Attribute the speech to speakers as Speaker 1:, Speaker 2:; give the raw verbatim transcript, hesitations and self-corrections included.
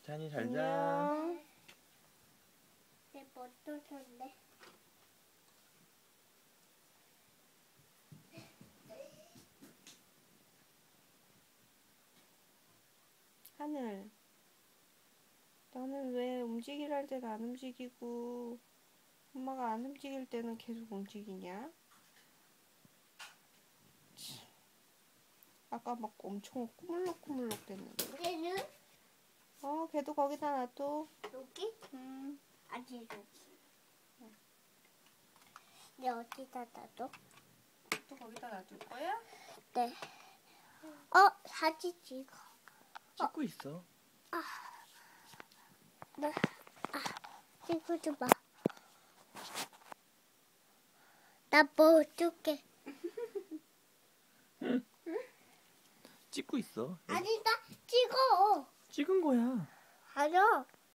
Speaker 1: 찬이 잘 자.
Speaker 2: 내 멋도 좋네.
Speaker 3: 하늘, 너는 왜 움직이라 할 때는 안 움직이고 엄마가 안 움직일 때는 계속 움직이냐? 참. 아까 막 엄청 꾸물럭꾸물럭 됐는데.
Speaker 2: 얘는
Speaker 3: 어, 걔도 거기다 놔둬.
Speaker 2: 여기?
Speaker 3: 음.
Speaker 2: 아직 여기. 네, 어디다 놔둬?
Speaker 3: 또 거기다 놔둘 거야?
Speaker 2: 네. 어, 사진 찍어.
Speaker 1: 찍고 있어.
Speaker 2: 네. 아, 찍어줘봐. 나 뭐 어떡해.
Speaker 1: 찍고 있어.
Speaker 2: 아니다, 찍어.
Speaker 1: 찍은 거야.
Speaker 2: 알아.